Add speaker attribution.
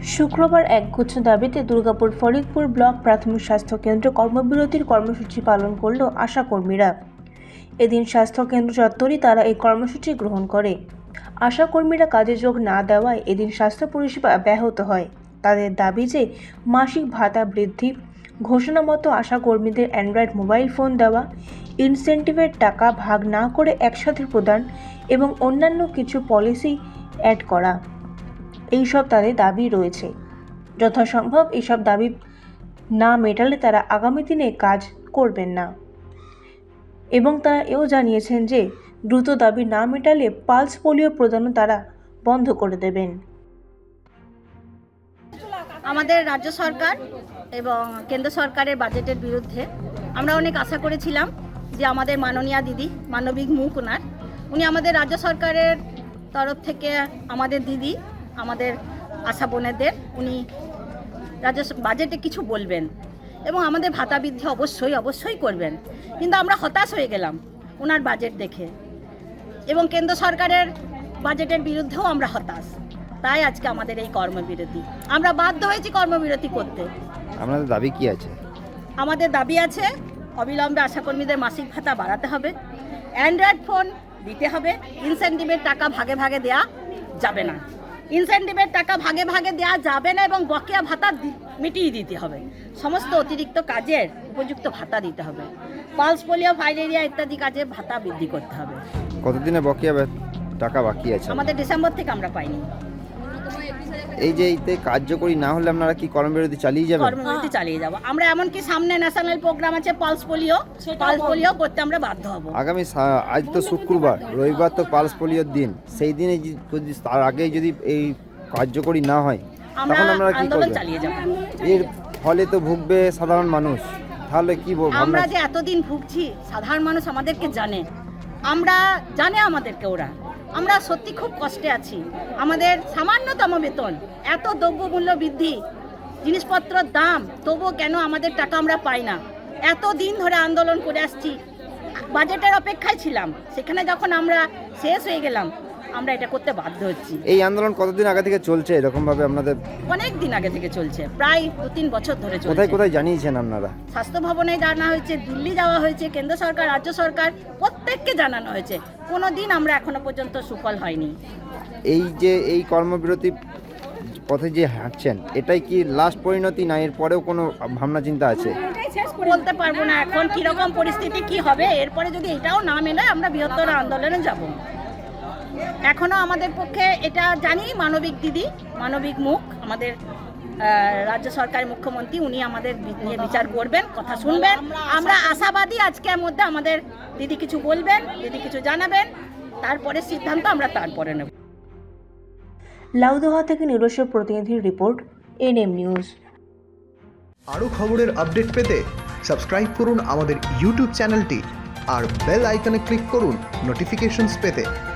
Speaker 1: শুক্রবার একগুচ্ছ দাবিতে দুর্গাপুর ফরিদপুর ব্লক প্রাথমিক স্বাস্থ্য কেন্দ্রে কর্মবিরতির কর্মসূচি পালন করল আশাকর্মীরা। এদিন স্বাস্থ্য কেন্দ্র চত্বরে তারা এই কর্মসূচি গ্রহণ করে। আশাকর্মীরা কাজে যোগ না দেওয়ায় এদিন স্বাস্থ্য পরিষেবা ব্যাহত হয়। তাদের দাবি যে মাসিক ভাতা বৃদ্ধি, ঘোষণা মতো আশাকর্মীদের অ্যান্ড্রয়েড মোবাইল ফোন দেওয়া, ইনসেন্টিভের টাকা ভাগ না করে একসাথে প্রদান এবং অন্যান্য কিছু পলিসি অ্যাড করা, এইসব তাদের দাবি রয়েছে। যথাসম্ভব এইসব দাবি না মেটালে তারা আগামী দিনে কাজ করবেন না এবং তারা এও জানিয়েছেন যে দ্রুত দাবি না মেটালে পালস পোলিও প্রদানও তারা বন্ধ করে দেবেন।
Speaker 2: আমাদের রাজ্য সরকার এবং কেন্দ্র সরকারের বাজেটের বিরুদ্ধে আমরা অনেক আশা করেছিলাম যে আমাদের মাননীয়া দিদি, মানবিক মুখ ওনার, উনি আমাদের রাজ্য সরকারের তরফ থেকে আমাদের দিদি, আমাদের আশা বোনেদের উনি রাজ্য বাজেটে কিছু বলবেন এবং আমাদের ভাতা বৃদ্ধি অবশ্যই করবেন। কিন্তু আমরা হতাশ হয়ে গেলাম ওনার বাজেট দেখে এবং কেন্দ্র সরকারের বাজেটের বিরুদ্ধেও আমরা হতাশ। তাই আজকে আমাদের এই কর্মবিরতি, আমরা বাধ্য হয়েছি কর্মবিরতি করতে।
Speaker 3: আপনাদের দাবি কি আছে?
Speaker 2: আমাদের দাবি আছে অবিলম্বে আশাকর্মীদের মাসিক ভাতা বাড়াতে হবে, অ্যান্ড্রয়েড ফোন দিতে হবে, ইনসেন্টিভের টাকা ভাগে ভাগে দেওয়া যাবে না, ইনসেন্টিভের টাকা ভাগে ভাগে দেওয়া যাবে না এবং বকেয়া ভাতা মিটিয়ে দিতে হবে, সমস্ত অতিরিক্ত কাজের উপযুক্ত ভাতা দিতে হবে, পালস পোলিও, ফাইলেরিয়া ইত্যাদি কাজে ভাতা বৃদ্ধি করতে হবে।
Speaker 3: কতদিনে বকেয়া টাকা বাকি আছে?
Speaker 2: আমাদের ডিসেম্বর থেকে আমরা পাইনি।
Speaker 3: এই যে এইতে কার্যকরী না হলে আপনারা কি কর্মবিরতি চালিয়ে যাবেন?
Speaker 2: কর্মবিরতি চালিয়ে যাব আমরা। এমনকি সামনে ন্যাশনাল প্রোগ্রাম আছে পালস পোলিও করতে আমরা বাধ্য হব।
Speaker 3: আগামী আজ তো শুক্রবার, রবিবার তো পালস পোলিওর দিন, সেই দিনে যদি তার আগে যদি এই কার্যকরী না হয় তখন আপনারা কি করবেন?
Speaker 2: চালিয়ে যাব।
Speaker 3: এর ফলে তো ভুগবে সাধারণ মানুষ, তাহলে কি
Speaker 2: আমরা যে এতদিন ভুগছি, সাধারণ মানুষ আমাদেরকে জানে, আমাদেরকে ওরা, আমরা সত্যি খুব কষ্টে আছি। আমাদের সামান্যতম বেতন, এত দ্রব্যমূল্য বৃদ্ধি, জিনিসপত্রের দাম, তবুও কেন আমাদের টাকা আমরা পাই না? এত দিন ধরে আন্দোলন করে আসছি, বাজেটের অপেক্ষায় ছিলাম, সেখানে যখন আমরা শেষ হয়ে গেলাম আমরা এটা করতে বাধ্য হচ্ছি।
Speaker 3: এই আন্দোলন কতদিন আগে থেকে চলছে এরকম ভাবে? আপনাদের
Speaker 2: অনেক দিন আগে থেকে চলছে, প্রায় 2-3 বছর ধরে চলছে।
Speaker 3: কোথায় কোথায় জানিয়েছেন আপনারা?
Speaker 2: স্বাস্থ্য ভবনে জানা হয়েছে, দিল্লি যাওয়া হয়েছে, কেন্দ্র সরকার, রাজ্য সরকার প্রত্যেককে জানানো হয়েছে। কোনো দিন আমরা এখনো পর্যন্ত সুফল হয়নি।
Speaker 3: এই যে এই কর্মবিরতি পথে যে হাঁটছেন, এটাই কি লাস্ট পরিণতি, না এর পরেও কোনো ভাবনা চিন্তা আছে?
Speaker 2: বলতে পারবো না এখন কিরকম পরিস্থিতি কি হবে। এরপরে যদি এটাও না মেলে আমরা বৃহত্তর আন্দোলনে যাব। এখনো আমাদের পক্ষে এটা জানি, মানবিক দিদি, মানবিক মুখ, আমাদের রাজ্য সরকারের মুখ্যমন্ত্রী, উনি আমাদের নিয়ে বিচার করবেন, কথা শুনবেন। আমরা আশাবাদী আজকের মধ্যে আমাদের দিদি কিছু বলবেন, দিদি কিছু জানাবেন, তারপরে সিদ্ধান্ত আমরা তারপরে নেব।
Speaker 1: লাউদোহা থেকে নিরস্ব প্রতিনিধির রিপোর্ট, এনএম নিউজ।
Speaker 4: আরও খবরের আপডেট পেতে সাবস্ক্রাইব করুন আমাদের ইউটিউব চ্যানেলটি আর বেল আইকনে ক্লিক করুন নোটিফিকেশনস পেতে।